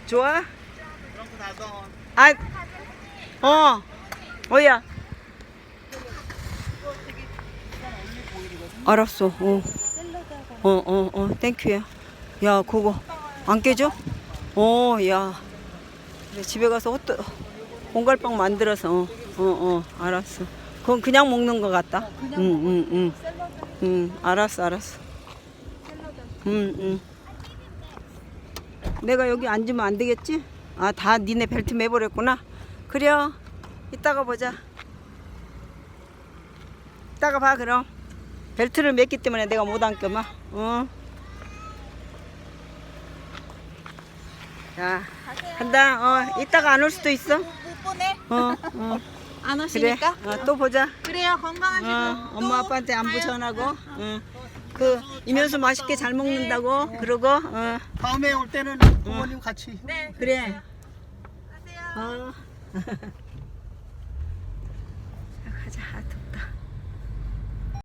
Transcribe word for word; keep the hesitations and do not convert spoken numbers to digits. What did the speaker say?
좋아? 아, 어, 뭐야? 알았어. 어, 어, 어, 어, 땡큐야. 야, 그거 안 깨져? 어, 야. 그래, 집에 가서 호떡, 공갈빵 만들어서. 어, 어, 어, 알았어. 그건 그냥 먹는 거 같다. 응, 응, 응. 응, 알았어, 알았어. 응, 응. 내가 여기 앉으면 안 되겠지? 아, 다 니네 벨트 매버렸구나. 그래요. 이따가 보자. 이따가 봐, 그럼. 벨트를 맸기 때문에 내가 못 앉겨, 마. 어. 자, 간다. 어, 이따가 안 올 수도 있어. 못 보내? 어, 어. 안 그래. 오시니까? 어, 또 보자. 그래요. 건강하시고. 어, 또 엄마 아빠한테 안부 가요. 전하고. 어. 그 이면수 맛있게 잘 먹는다고. 그러고. 어. 다음에 올 때는 부모님 같이. 네. 그래. 가세요. 어. 자, 가자. 아, 덥다.